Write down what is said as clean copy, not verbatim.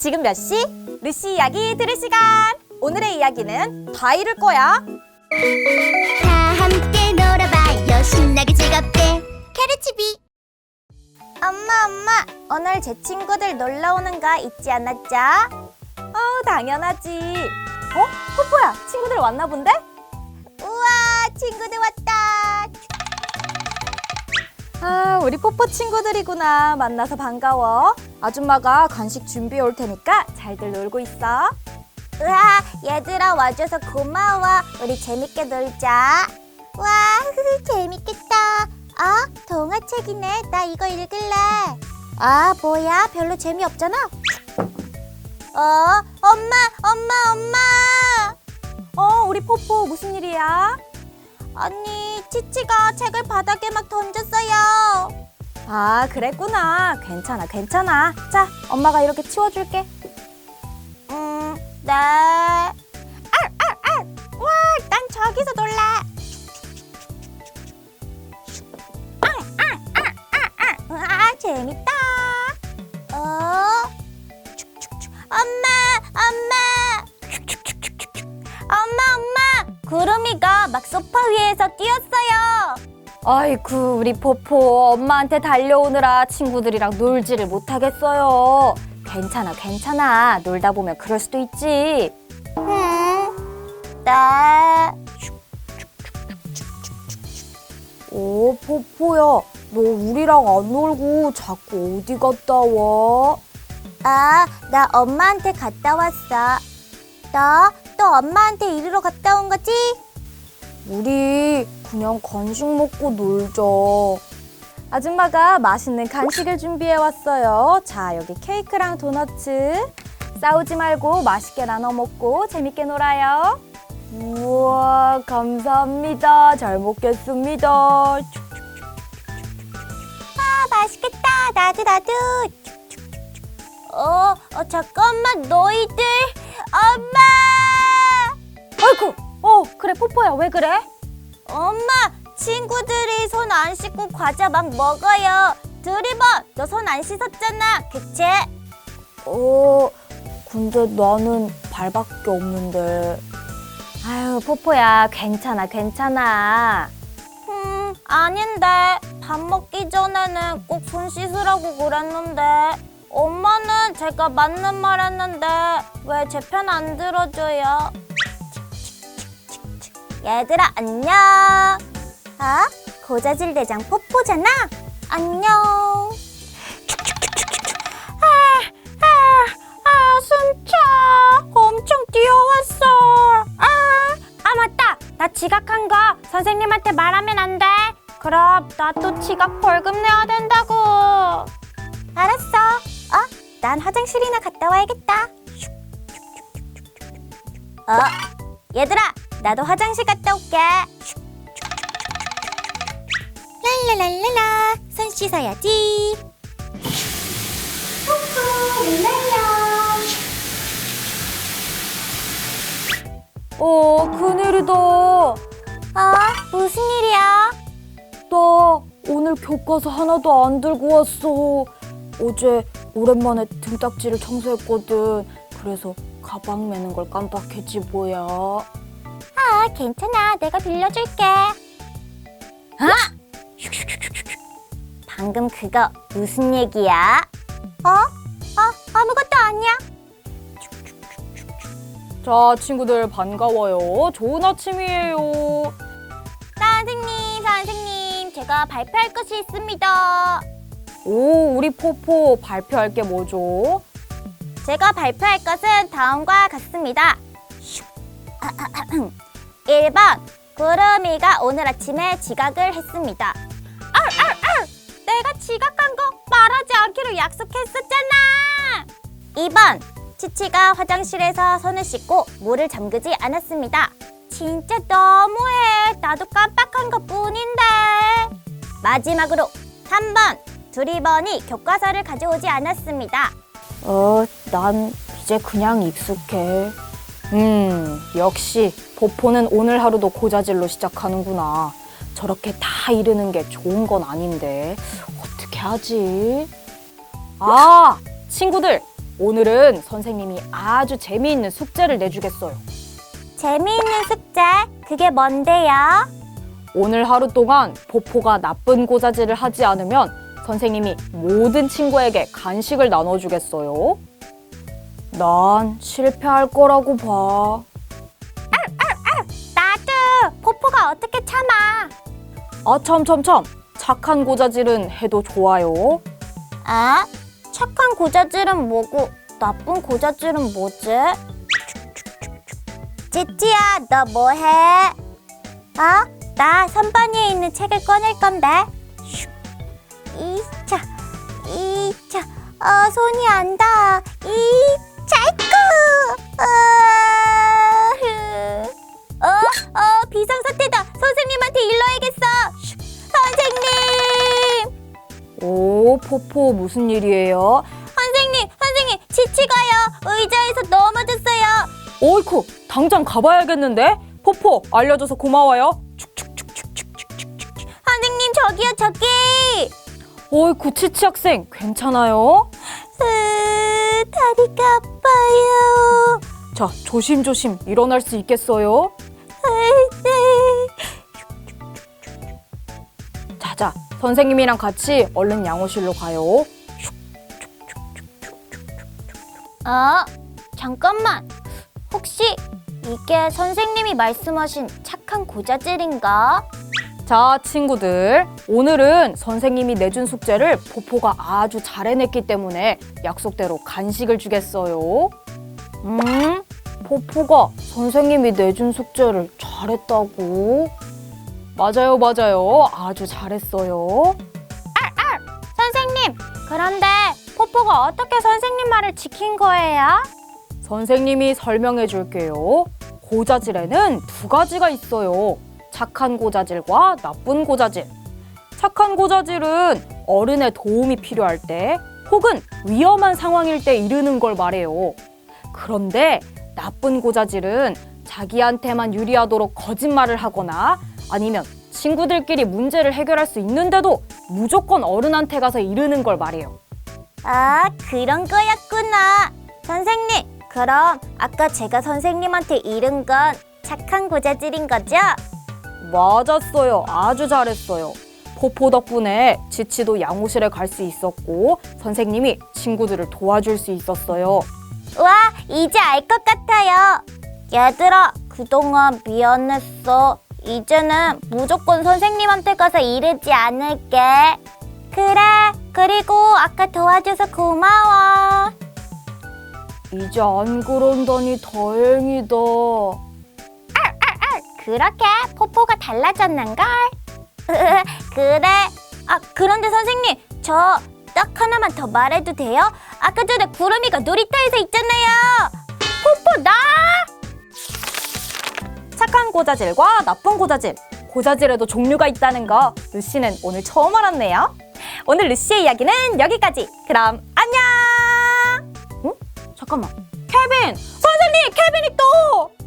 지금 몇 시? 루시 이야기 들을 시간! 오늘의 이야기는 다 이룰 거야. 다 함께 놀아봐요 신나게 즐겁게 캐르치비. 엄마, 오늘 제 친구들 놀러 오는 거 잊지 않았죠? 당연하지. 포포야, 친구들 왔나 본데? 우와, 친구들 왔다. 우리 포포 친구들이구나. 만나서 반가워. 아줌마가 간식 준비해 올 테니까 잘들 놀고 있어. 우와, 얘들아 와줘서 고마워. 우리 재밌게 놀자. 와, 재밌겠다. 동화책이네. 나 이거 읽을래. 뭐야? 별로 재미없잖아. 엄마. 우리 포포 무슨 일이야? 아니, 치치가 책을 바닥에 막 던졌어요. 그랬구나. 괜찮아. 자, 엄마가 이렇게 치워줄게. 네. 와, 난 저기서 놀래. 재밌다. 엄마. 구름이가 막 소파 위에서 뛰었어요. 아이쿠, 우리 포포 엄마한테 달려오느라 친구들이랑 놀지를 못하겠어요. 괜찮아. 놀다 보면 그럴 수도 있지. 네. 포포야, 너 우리랑 안 놀고 자꾸 어디 갔다 와? 나 엄마한테 갔다 왔어. 너 엄마한테 이리로 갔다 온 거지? 우리 그냥 간식 먹고 놀자. 아줌마가 맛있는 간식을 준비해 왔어요. 자, 여기 케이크랑 도너츠. 싸우지 말고 맛있게 나눠 먹고 재밌게 놀아요. 우와, 감사합니다. 잘 먹겠습니다. 맛있겠다. 나도. 잠깐만, 너희들. 엄마! 아이고, 그래, 포포야, 왜 그래? 엄마, 친구들이 손 안 씻고 과자 막 먹어요. 드리버, 너 손 안 씻었잖아, 그치? 근데 나는 발밖에 없는데. 아유, 포포야, 괜찮아. 아닌데. 밥 먹기 전에는 꼭 손 씻으라고 그랬는데. 엄마는 제가 맞는 말 했는데 왜 제 편 안 들어줘요? 얘들아, 안녕. 고자질 대장 포포잖아. 안녕. 숨차. 엄청 뛰어왔어. 맞다. 나 지각한 거 선생님한테 말하면 안 돼. 그럼 나 또 지각 벌금 내야 된다고. 알았어. 난 화장실이나 갔다 와야겠다. 얘들아, 나도 화장실 갔다 올게. 랄랄랄랄라, 손 씻어야지. 큰일이다. 무슨 일이야? 나 오늘 교과서 하나도 안 들고 왔어. 어제 오랜만에 등딱지를 청소했거든. 그래서 가방 매는 걸 깜빡했지 뭐야. 괜찮아. 내가 빌려줄게. 방금 그거 무슨 얘기야? 아무것도 아니야. 자, 친구들 반가워요. 좋은 아침이에요. 선생님, 제가 발표할 것이 있습니다. 우리 포포 발표할 게 뭐죠? 제가 발표할 것은 다음과 같습니다. 1번, 구름이가 오늘 아침에 지각을 했습니다. 내가 지각한 거 말하지 않기로 약속했었잖아. 2번, 치치가 화장실에서 손을 씻고 물을 잠그지 않았습니다. 진짜 너무해. 나도 깜빡한 것뿐인데. 마지막으로 3번, 두리번이 교과서를 가져오지 않았습니다. 난 이제 그냥 익숙해. 역시 포포는 오늘 하루도 고자질로 시작하는구나. 저렇게 다 이르는 게 좋은 건 아닌데 어떻게 하지? 친구들, 오늘은 선생님이 아주 재미있는 숙제를 내주겠어요. 재미있는 숙제, 그게 뭔데요? 오늘 하루 동안 포포가 나쁜 고자질을 하지 않으면 선생님이 모든 친구에게 간식을 나눠주겠어요. 난 실패할 거라고 봐. 나도 포포가 어떻게 참아? 아, 참. 착한 고자질은 해도 좋아요. 아? 착한 고자질은 뭐고 나쁜 고자질은 뭐지? 찌찌야, 너 뭐해? 나 선반위에 있는 책을 꺼낼 건데. 이차, 손이 안 닿아. 이차이쿠. 비상사태다. 선생님한테 일러야겠어. 선생님. 오, 포포 무슨 일이에요? 선생님, 지치가요. 의자에서 넘어졌어요. 어이쿠, 당장 가봐야겠는데? 포포, 알려줘서 고마워요. 선생님, 저기요, 저기. 어이쿠, 치치 학생, 괜찮아요? 다리가 아파요. 자, 조심조심 일어날 수 있겠어요? 자자, 선생님이랑 같이 얼른 양호실로 가요. 잠깐만. 혹시 이게 선생님이 말씀하신 착한 고자질인가? 자, 친구들, 오늘은 선생님이 내준 숙제를 포포가 아주 잘 해냈기 때문에 약속대로 간식을 주겠어요. 포포가 선생님이 내준 숙제를 잘했다고? 맞아요. 아주 잘했어요. 선생님, 그런데 포포가 어떻게 선생님 말을 지킨 거예요? 선생님이 설명해 줄게요. 고자질에는 두 가지가 있어요. 착한 고자질과 나쁜 고자질. 착한 고자질은 어른의 도움이 필요할 때 혹은 위험한 상황일 때 이르는 걸 말해요. 그런데 나쁜 고자질은 자기한테만 유리하도록 거짓말을 하거나 아니면 친구들끼리 문제를 해결할 수 있는데도 무조건 어른한테 가서 이르는 걸 말해요. 그런 거였구나. 선생님, 그럼 아까 제가 선생님한테 이른 건 착한 고자질인 거죠? 맞았어요. 아주 잘했어요. 포포 덕분에 지치도 양호실에 갈 수 있었고 선생님이 친구들을 도와줄 수 있었어요. 와, 이제 알 것 같아요. 얘들아, 그동안 미안했어. 이제는 무조건 선생님한테 가서 이르지 않을게. 그래, 그리고 아까 도와줘서 고마워. 이제 안 그런다니 다행이다. 그렇게 포포가 달라졌는걸? 그래. 그런데 선생님, 저 딱 하나만 더 말해도 돼요? 아까 전에 구름이가 놀이터에서 있잖아요. 포포, 나! 착한 고자질과 나쁜 고자질. 고자질에도 종류가 있다는 거 루시는 오늘 처음 알았네요. 오늘 루시의 이야기는 여기까지. 그럼 안녕. 잠깐만. 케빈! 선생님, 케빈이 또!